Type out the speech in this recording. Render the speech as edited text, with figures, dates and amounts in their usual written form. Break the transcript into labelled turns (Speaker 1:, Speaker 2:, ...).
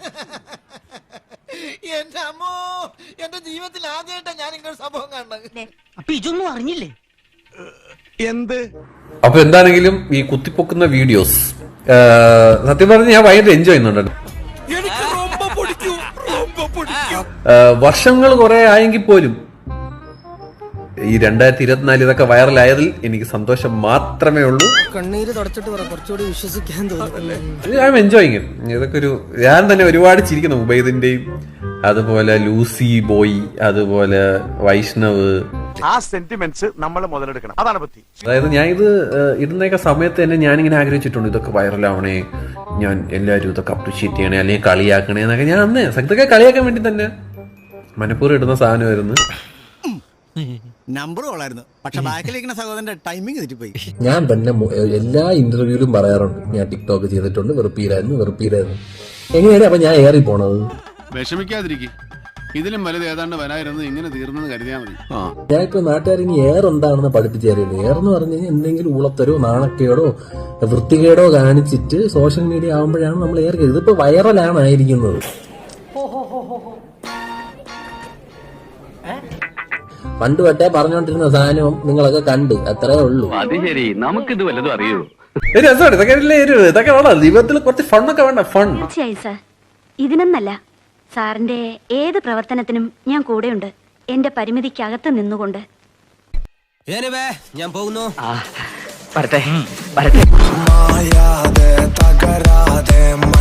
Speaker 1: എന്റെ അമ്മോ, എന്റെ ജീവിതത്തിൽ ആദ്യമായിട്ടാ ഞാൻ ഇങ്ങനെ സംഭവം കണ്ടത്.
Speaker 2: അപ്പൊ ഇതൊന്നും അറിഞ്ഞില്ലേ?
Speaker 3: എന്ത്?
Speaker 4: അപ്പൊ എന്താണെങ്കിലും ഈ കുത്തിപ്പൊക്കുന്ന വീഡിയോസ് സത്യം പറഞ്ഞ് ഞാൻ ഭയങ്കര എൻജോയ് ചെയ്യുന്നുണ്ട്. വർഷങ്ങൾ കുറെ ആയെങ്കിൽ പോലും ഈ 2024 ഇതൊക്കെ വൈറലായതിൽ എനിക്ക് സന്തോഷം മാത്രമേ ഉള്ളൂ.
Speaker 1: കണ്ണീര് തുടച്ചിട്ട് കുറച്ചുകൂടി വിശ്വസിക്കാൻ തോന്നുന്നു.
Speaker 4: I am enjoying. ഇതൊക്കെ ഒരു ഞാൻ തന്നെ ഒരുപാട് ചിരിക്കുന്നു. ഉബൈദിന്റെയും അതുപോലെ ലൂസി ബോയ്, അതുപോലെ വൈഷ്ണവ്.
Speaker 3: ആ സെന്റിമെന്റ്സ് നമ്മൾ മുതലെടുക്കണം, അതാണ് ബുദ്ധി.
Speaker 4: അതായത് ഞാൻ ഇത് ഇടുന്നൊക്കെ സമയത്ത് തന്നെ ഞാനിങ്ങനെ ആഗ്രഹിച്ചിട്ടുണ്ട്, ഇതൊക്കെ വൈറലാവണേ, ഞാൻ എല്ലാവരും ഇതൊക്കെ അപ്രീഷിയേറ്റ് ചെയ്യണേ, അല്ലെങ്കിൽ കളിയാക്കണേ എന്നൊക്കെ. ഞാൻ അന്ന് ഇതൊക്കെ കളിയാക്കാൻ വേണ്ടി തന്നെ മനഃപൂർവ്വം ഇടുന്ന സാധനമായിരുന്നു.
Speaker 5: നമ്പർ കൊള്ളായിരുന്നു, പക്ഷെ ബാക്കിലിരിക്കുന്ന സഹോദരന്റെ ടൈമിംഗ് തെറ്റിപ്പോയി.
Speaker 6: ഞാൻ തന്നെ എല്ലാ ഇന്റർവ്യൂവിലും പറയാറുണ്ട്, ഞാൻ ടിക്ടോക്ക് ചെയ്തിട്ടുണ്ട്, വെറുപ്പീരായിരുന്നു. എങ്ങനെയാണ് അപ്പൊ ഞാൻ ഏറി പോണത്?
Speaker 7: വിഷമിക്കാതിരിക്കും, ഇതിലും വലുത് ഏതാണ്ട് വരായിരുന്നു, ഇങ്ങനെ തീർന്നെന്ന് കരുതിയാൽ മതി.
Speaker 6: ഞാൻ ഇപ്പൊ നാട്ടുകാർ ഇനി ഏർ എന്താണെന്ന് പഠിപ്പിച്ചു തരുള്ളൂ. ഏറെന്ന് പറഞ്ഞു കഴിഞ്ഞാൽ എന്തെങ്കിലും ഉളത്തരോ നാണക്കേടോ വൃത്തികേടോ കാണിച്ചിട്ട് സോഷ്യൽ മീഡിയ ആകുമ്പോഴാണ് നമ്മൾ ഏർ ചെയ്തത്. ഇതിപ്പോ വൈറലാണ് ആയിരിക്കുന്നത്. പണ്ട് തൊട്ടേ പറഞ്ഞോണ്ടിരുന്ന സാധനവും നിങ്ങളൊക്കെ കണ്ട്, അത്രേ ഉള്ളൂ.
Speaker 8: അത് ശരി, നമുക്കിത് വല്ലതും അറിയൂ.
Speaker 4: ഇതൊക്കെ വേണം ജീവിതത്തിൽ, കുറച്ച് ഫണ്ണൊക്കെ വേണ്ട. ഫൺ
Speaker 9: തീർച്ചയായും സാർ. ഇതിനൊന്നല്ല, സാറിന്റെ ഏത് പ്രവർത്തനത്തിനും ഞാൻ കൂടെയുണ്ട്, എന്റെ പരിമിതിക്കകത്ത് നിന്നുകൊണ്ട്.
Speaker 1: ഞാൻ പോകുന്നു.
Speaker 8: വരട്ടെ.